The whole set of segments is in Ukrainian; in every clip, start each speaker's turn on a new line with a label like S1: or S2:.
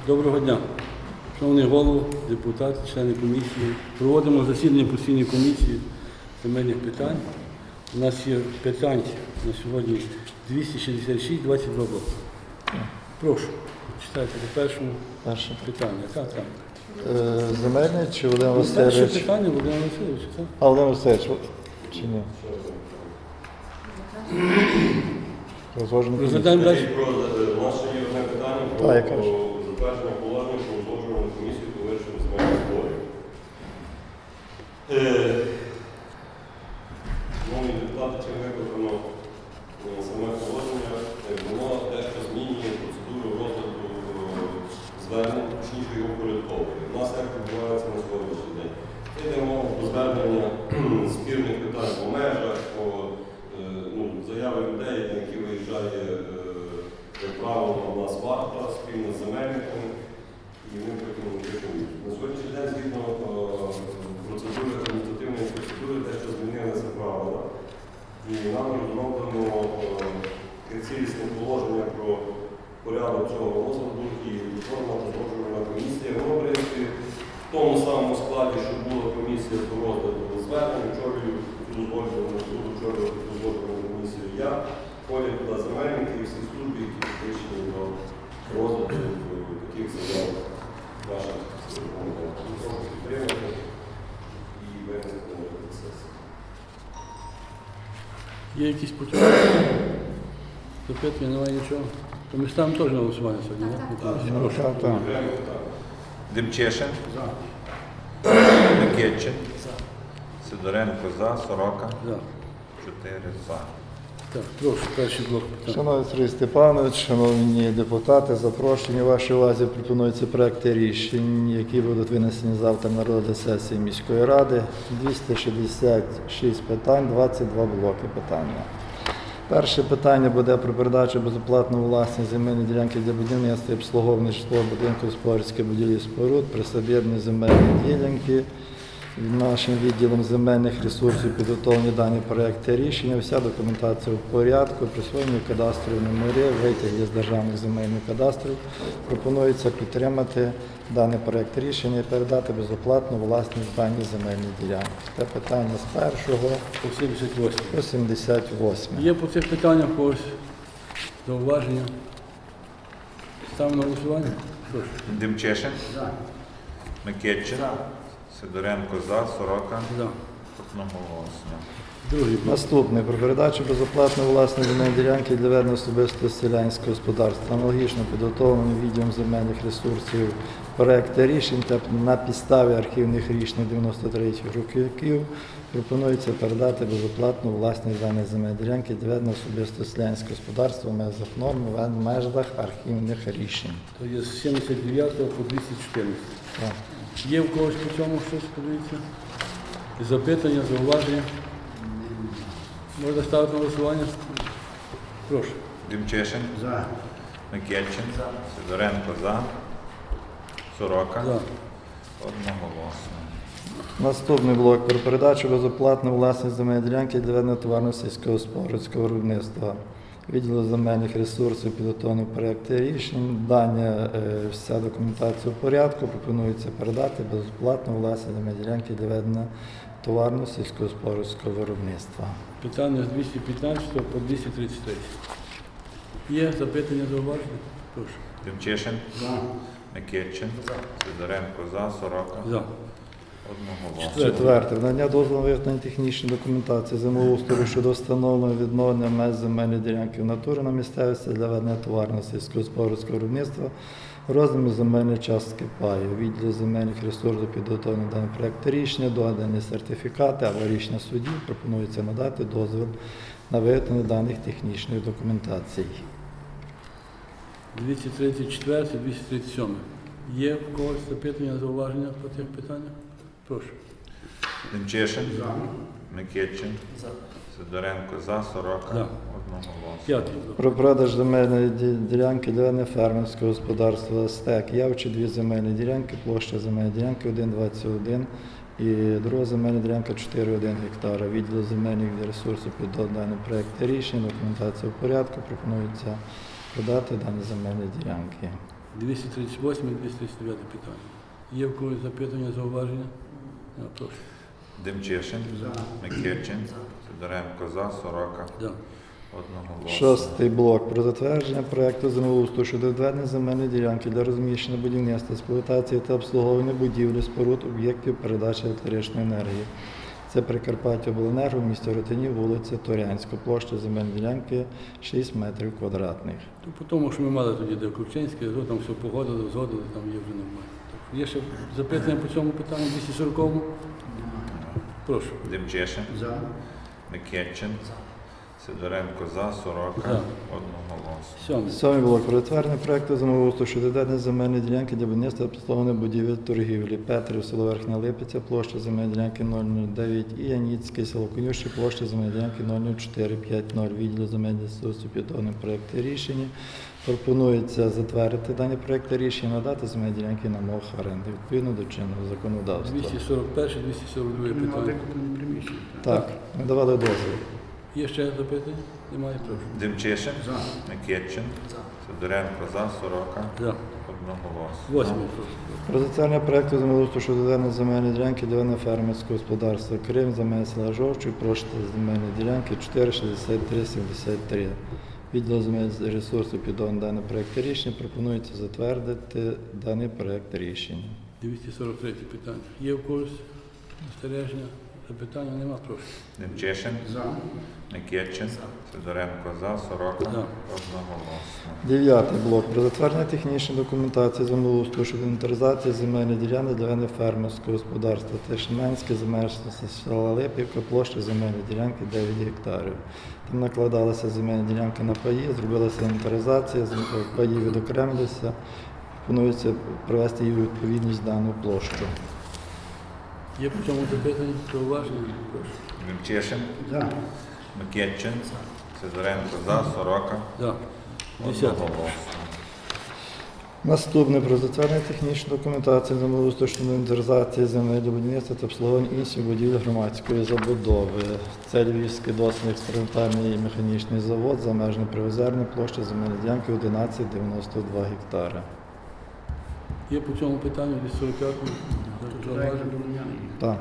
S1: Доброго дня. Шановний голово, депутати, члени комісії. Проводимо засідання постійної комісії земельних питань. У нас є питань на сьогодні 266, 22 блоки. Прошу, читайте по першому питанню. Так.
S2: Земельний чи Володимир
S1: Перше
S2: Васильович?
S1: питання Володимир Васильович, так?
S2: А Володимир Васильович, чи ні? Розложено.
S1: Розглядаємо далі.
S3: У нас ще є одне питання про
S2: Так, я кажу.
S3: затвердження положення про узгоджувальну комісію по вирішенню земельних зборів. Шановні депутати, чим викликано саме положення, воно дещо змінює процедуру розгляду звернень, точніше його порядковує. У нас як відбувається на сьогоднішній день. Це йде мова про звернення спірних питань по межах, по заяви людей, на які виїжджає, як правило, у нас варта спільно з земельниками, і ми потім рекомендуємо. На сьогоднішній день, згідно процедури, адміністративної процедури, дещо змінилися правила. І нам розроблено цілісне положення про порядок цього розгляду і форма узгоджувальна комісія. Воно, в принципі, в тому самому складі, що була комісія по розгляду звернень, очолюю узгоджувальну комісію я, входять туди земельники і всі служби, які підключені до розгляду таких заяв наших рекомендацій. Прошу підтримати і винести на сесію.
S1: Є якісь почуття? Запитання, немає нічого. То ми ставимо теж на голосування сьогодні, так? Прошу.
S2: Так.
S4: Демчешин. Микитчин. Сидоренко за, Сорока.
S1: За.
S4: 4 за.
S1: Так, прошу, перший блок питань.
S2: Шановний Сергій Степанович, шановні депутати, запрошені вашій увазі пропонуються проекти рішень, які будуть винесені завтра на розгляд сесії міської ради. 266 питань, 22 блоки питання. Перше питання буде про передачу безоплатно у власність земельної ділянки для будівництва і обслуговування житлового будинку господарських будівлі споруд, присобєднані земельні ділянки. Нашим відділом земельних ресурсів підготовлені дані проекти рішення. Вся документація в порядку, присвоєння кадастрові номери, витяги з державних земельних кадастрів. Пропонується підтримати даний проект рішення і передати безоплатно власність дані земельні ділянки. Це питання з 1
S1: По 78.
S2: по 78.
S1: Є по цих питаннях когось зауваження? Ставимо на голосування? Прошу.
S4: Демчешин. Микитчин. Сидоренко за, Сорока.
S1: За.
S4: Одноголосно.
S1: Другий блок.
S2: Наступне. Про передачу безоплатної власної земельної ділянки для ведення особистого селянського господарства. Аналогічно підготовлені відділом земельних ресурсів проекти рішень та на підставі архівних рішень 93-х років пропонується передати безоплатну власність даної земельної ділянки для ведення особистого селянського господарства в межах норм, в межах архівних рішень.
S1: То є з 79 по 214.
S2: Так.
S1: Є в когось по цьому щось, подивіться? Запитання, зауваження? Можна ставити на голосування? Прошу.
S4: Демчешин. Микитчин. Сидоренко за, Сорока.
S1: За.
S4: Одноголосно.
S2: Наступний блок про передачу безоплатно власність земельної ділянки для ведення товарного сільськогосподарського виробництва. Відділу земельних ресурсів підготовлені проекти рішень. Дання вся документація в порядку. Пропонується передати безоплатно власність земельної ділянки для ведення товарного сільськогосподарського виробництва.
S1: Питання з 215 по 233. Є запитання, зауваження? Прошу.
S4: Демчешин. Микитчин. Сидоренко за, Сорока.
S1: За.
S4: Одноголосно.
S2: Четверте. Надання дозволу на виготовлення технічної документації землеустрою щодо встановлення відновлення меж земельної ділянки в натурі на місцевості для ведення товарного сільськогосподарського виробництва розміру земельної частки паю. Відділ земельних ресурсів підготовлені даний проект рішення, додані сертифікати, аварійних судів. Пропонується надати дозвіл на виготовлення даних технічних документацій.
S1: 234, 237. Є в когось запитання, зауваження по цих питаннях? Прошу.
S4: Демчешин. Микитчин. Сидоренко за, Сорока.
S1: За.
S4: Одноголосно.
S1: П'ятий блок.
S2: Про продаж земельної ділянки для ведення фермерського господарства «Стек». Явчі дві земельні ділянки, площа земельної ділянки 1,21 і друга земельна ділянка 4,1 гектара. Відділ земельних ресурсів під даний проект рішень, документація в порядку, пропонується продати дані земельні ділянки.
S1: 238 і 239 питання. Є в когось запитання, зауваження? Прошу.
S4: Демчишин, Микитчин, Сидоренко за, Сорока,
S1: Да.
S4: одноголосно.
S2: Шостий блок про затвердження проекту землеустрою щодо відведення земельної ділянки для розміщення будівництва, експлуатації та обслуговування будівлі, споруд, об'єктів передачі електричної енергії. Це Прикарпаттяобленерго в місті Ротинів, вулиця Торянська, площа земельної ділянки 6 метрів квадратних.
S1: То по тому, що ми мали тоді, де Ковчинське, там все погодили, згодили, там є вже нормально. Так, є ще запитання по цьому питанню 240-му? Прошу.
S4: Демчишин, Микитчин, Сидоренко за, Сорока,
S1: За.
S4: одноголосно.
S1: Сьомий.
S2: Сьомий блок про затвердження проекту землеустрою щодо відведення земельної ділянки для будівництва обслуговування будівель торгівлі. Петрів, село Верхня Липиця, площа земельної ділянки 009 і Яніцьке, село Конюші, площа земельної ділянки 00450. Відділ земельних ресурсів підготовлений проєкти рішення. Пропонується затвердити дані проєкти рішення, надати земельні ділянки на мов оренди відповідно до чинного законодавства.
S1: 241, 242 питання.
S2: Так, ми давали дозвіл.
S1: Є ще запитання? Немає, прошу.
S4: Демчишин, Микитчин, Сидоренко за, Сорока,
S1: За.
S4: одноголосно.
S1: Восьмий, прошу.
S2: Про затвердження проекту землеустрою щодо відведення земельної ділянки для ведення фермерського господарства Крим, земель села Жовчуй, площа земельної ділянки 46373. Відділ земельних ресурсів підготовлений даний проект рішення. Пропонується затвердити даний проект рішення.
S1: 243 питання. Є в когось застереження? Запитання нема, прошу.
S4: Демчишин, Микитчин, Сидоренко за, Сорока,
S1: За.
S4: одноголосно.
S2: Дев'ятий блок про затвердження технічної документації землеустрою щодо інвентаризації земельної ділянки для ведення фермерського господарства Тишинянське, земельне села Липівка, площа земельної ділянки 9 гектарів. Там накладалися земельні ділянки на паї, зробилася інвентаризація, паї відокремилися. Пропонується привести її у відповідність дану площу.
S1: Є по цьому запитання? Зауваження? Прошу.
S4: Демчишин, Микитчин, Сидоренко за, Сорока,
S1: За. Десятий.
S4: одноголосно.
S2: Наступне про затвердження технічної документації землеустрою щодо інвентаризації земель для будівництва та обслуговування інших будівель громадської забудови. Це Львівський дослідний експериментальний і механічний завод за межами Привозерної, площа земельної ділянки 11,92 гектари.
S1: Є по цьому питанню 245? Зауваження?
S2: Так.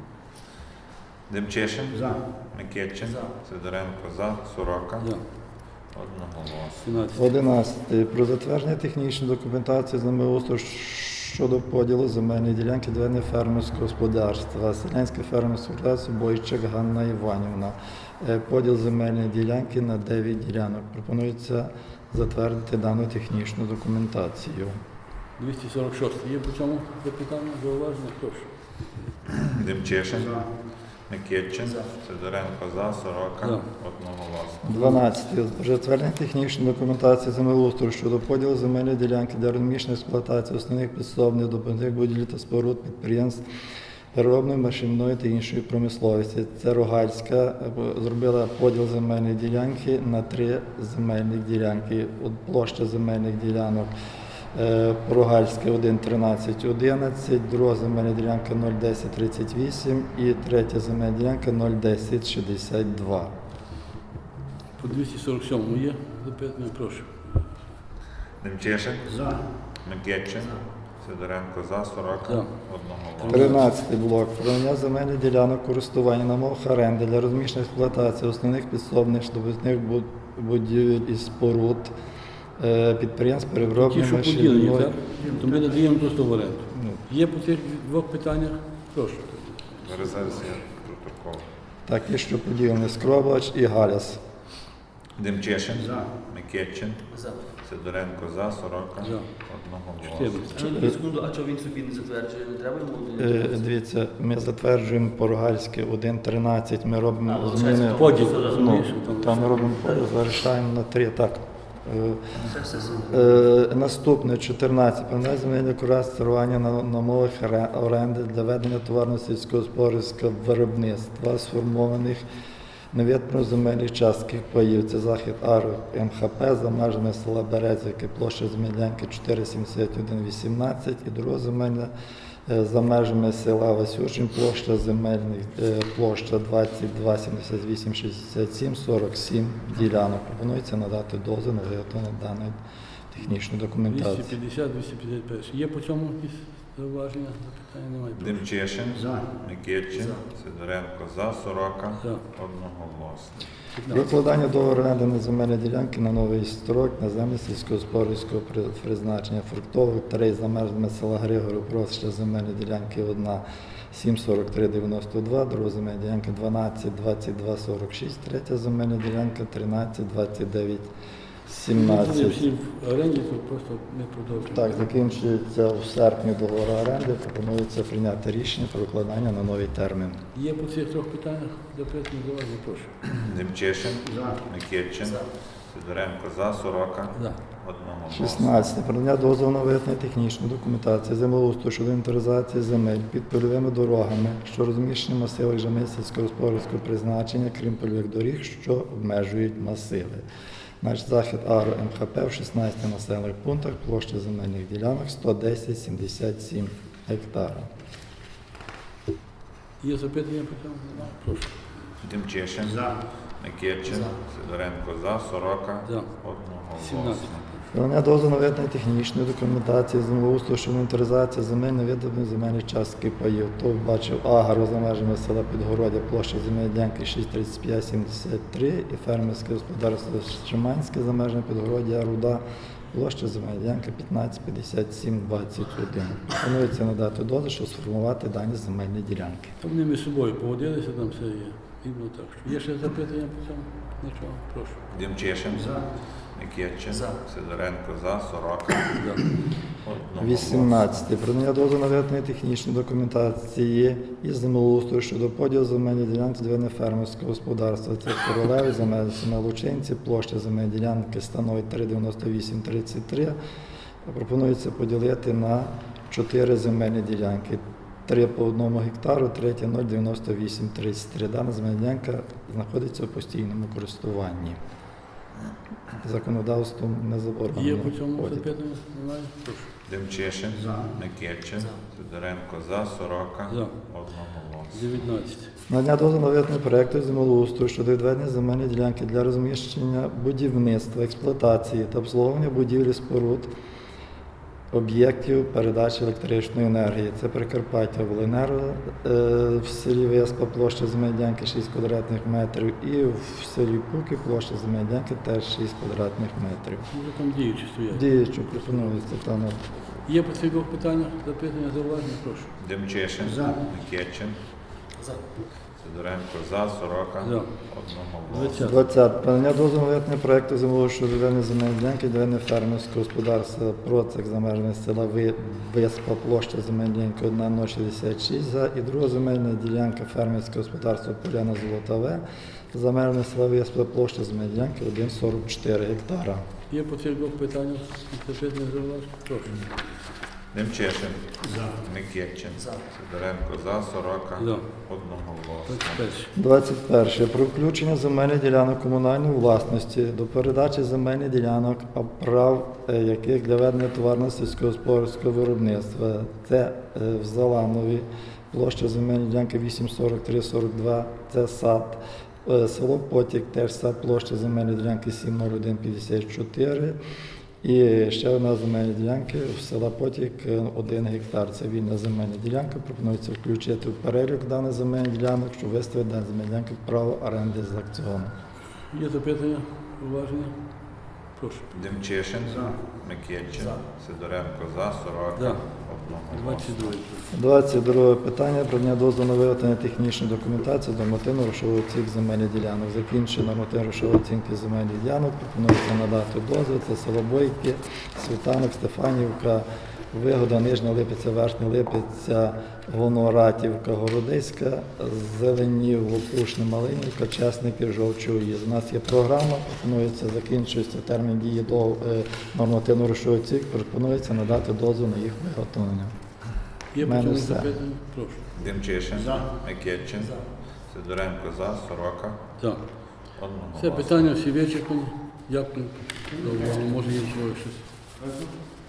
S4: Демчишин, Микитчин, Сидоренко за, Сорока,
S1: За.
S4: одноголосно.
S1: 17.
S2: 11. Про затвердження технічної документації землеустрою щодо поділу земельної ділянки для ведення фермерського господарства. Селянське фермерське господарство Бойчик Ганна Іванівна. Поділ земельної ділянки на 9 ділянок. Пропонується затвердити дану технічну документацію.
S1: 246. Є по цьому запитання? Зауваження? Прошу.
S4: Демчишин, Микитчин, Сидоренко за, Сорока,
S1: За.
S4: одноголосно.
S2: 12. Затвердження технічної документації землеустрою щодо поділу земельної ділянки для розміщення експлуатації основних підсобних добувних будівель та споруд підприємств переробної, машинної та іншої промисловості. Це Рогальська зробила поділ земельної ділянки на 3 земельних ділянки. Площа земельних ділянок Рогальське 1,1311, друга земельна ділянка 0,1038 і третя земельна ділянка 0,1062.
S1: По 247 є запитання? Прошу.
S4: Демчишин, Микитчин, Сидоренко за, Сорока,
S1: За.
S4: одноголосно.
S2: 13 блок. Про надання земельних ділянок користування на мовах оренди для розміщення експлуатації основних підсобних добутних будівель і споруд підприємств
S1: Ті,
S2: переробної
S1: що поділені,
S2: машинної.
S1: так? То ми надаємо просто в оренду.
S2: Ну,
S1: Є по цих двох питаннях? Прошу.
S4: Зараз є протокол.
S2: Так, і що поділені Скробач і Галяс.
S4: Демчишин, Микитчин, Сидоренко за, Сорока,
S1: За.
S4: одноголосно.
S1: 14.
S5: Секунду, а чого він собі не затверджує? Не треба йому?
S2: Дивіться, ми затверджуємо Порогальське 1,13, ми робимо
S5: А,
S2: зміни.
S5: лишається
S1: Поділ,
S5: Ну,
S1: розумієш?
S2: Там ми робимо поділ, залишаємо на 3, так.
S5: Все.
S2: Наступне 14. Певне земельне користування на мовах оренди для ведення товарно-сільськогосподарського виробництва сформованих невідповідно земельних частків паїв. Це захід АРО МХП за межами села Березівки, площа земельнянки 47118 і друга земельна за межами села Васючин, площа земельних, площа 227867, 47 ділянок. Пропонується надати дозвіл на виготовлення даної технічну документацію.
S1: 250, 251. Є по цьому якісь зауваження? Запитання немає.
S4: Демчешин, Микитчин, Сидоренко за, Сорока,
S1: За.
S4: одноголосно.
S2: Викладання договору оренди на земельні ділянки на новий строк на землі сільськогосподарського призначення фруктових тарей за межами села Григорів, просить земельні ділянки одна 7,43,92, друга земельна ділянка 12,22,46, третя земельна ділянка 13,29,17.
S1: Вони всі в оренді, тут просто не продовжуємо.
S2: Так, закінчується в серпні договор оренди, пропонується прийняти рішення про укладання на новий термін.
S1: Є по цих трьох питаннях запитання, зауваження, прошу.
S4: Демчешин, Микитчин, Сидоренко за, Сорока,
S1: За.
S4: одноголосно.
S2: 16. Продання дозволу на виготовлення технічної документації землеустрою щодо інвентаризації земель під польовими дорогами, що розміщені в масивах земель сільськогосподарського призначення, крім польових доріг, що обмежують масиви. Наш захід АРО МХП в 16 населених пунктах, площа земельних ділянок 110,77 гектара.
S1: Є запитання по цьому? Прошу.
S4: Демчешин, Микитчин, Сидоренко за, Сорока,
S1: За. 17.
S4: одноголосно.
S2: Продання дозволу на виготовлення технічної документації землеустрою щодо інвентаризації земель на видобутих земельних частки паїв. То бачив Агро за межами села Підгородя, площа земельної ділянки 6,3573 і фермерське господарство Шиманське за межами Підгородя, Руда, площа земельної ділянки 15,5721. Пропонується надати дозвіл, щоб сформувати дані земельні ділянки.
S1: Та вони між собою погодилися, там все є. Рівно так. Є ще запитання по цьому? Нічого, прошу.
S4: Демчешин, Микитчин, Сидоренко за, Сорока,
S1: За.
S4: одноголосно.
S2: 18. Продання дозволу на виготовлення технічної документації із землеустрою щодо поділу земельної ділянки для фермерського господарства. Це королеви, земель Лучинці, площа земельної ділянки становить 3,9833. Пропонується поділити на 4 земельні ділянки. 3 по 1 гектару, третя 0,9833. Дана земельна ділянка знаходиться у постійному користуванні. Законодавством не заборонено.
S1: Є по цьому
S2: поділ.
S1: запитання? Немає? Прошу.
S4: Демчешин, Микитчин, Сидоренко за, Сорока,
S1: За.
S4: одноголосно.
S1: 19.
S2: Надання дозволу на виготовлення проєкту землеустрою щодо відведення земельної ділянки для розміщення будівництва, експлуатації та обслуговування будівлі споруд, об'єктів передачі електричної енергії. Це Прикарпаття Обленерго в селі Веспа, площа земельної ділянки 6 квадратних метрів, і в селі Пуки площа земельної ділянки теж 6 квадратних метрів.
S1: Може там діючі стоять.
S2: Діючу пропонується там.
S1: Є по цих двох питаннях запитання, зауваження, прошу.
S4: Демчешин, Микитчин, Сидоренко за, Сорока,
S1: За.
S4: одноголосно.
S2: 20. Подання дозволу на виготовлення проєкту землеустрою щодо відведення земельної ділянки для ведення фермерського господарства Процик за межами села Веспа, площа земельної ділянки 1,066 за, і друга земельна ділянка фермерського господарства Поляна Золотаве за межами села Веспа, площа земельної ділянки 1,44 гектара.
S1: Є по цих двох питаннях запитання, зауваження, прошу.
S4: Демчешин, Микитчин, Сидоренко за, Сорока,
S1: За.
S4: одноголосно.
S1: 21.
S2: 21. Про включення земельних ділянок комунальної власності до передачі земельних ділянок, а прав яких для ведення товарно сільськогосподарського виробництва. Це в Заланові, площа земельної ділянки 8,43,42, це сад. Село Потік, теж сад, площа земельної ділянки 7,01,54. І ще одна земельна ділянка в села Потік 1 гектар. Це вільна земельна ділянка. Пропонується включити в перелік даних земельних ділянок, щоб виставити дані земельні ділянки в право оренди з аукціону.
S1: Є запитання, уваження? Прошу.
S4: Демчешин, Микитчин, Сидоренко за, Сорока,
S1: За.
S4: одноголосно.
S1: 22.
S2: 22 питання про надання дозволу на виготовлення технічної документації до нормативно-грошової оцінки земельних ділянок. Закінчення нормативно-грошової оцінки земельних ділянок пропонується надати дозвіл. Це село Бойки, Світанок, Стефанівка, Вигода, Нижня Липиця, Верхня Липиця, Гоноратівка, Городиська, Зеленів, Лопушне, Малинівка, Чесники, Жовчуї. У нас є програма, пропонується, закінчується термін дії до нормативно-грошової оцінки, пропонується надати дозвіл на їх виготовлення.
S1: Є по
S2: Мене
S1: цьому
S2: все.
S1: запитання? Прошу.
S4: Демчешин, Микитчин, Сидоренко за, Сорока,
S1: За.
S4: одноголосно.
S1: Все питання всі вичерпані. Дякую. Може є щось.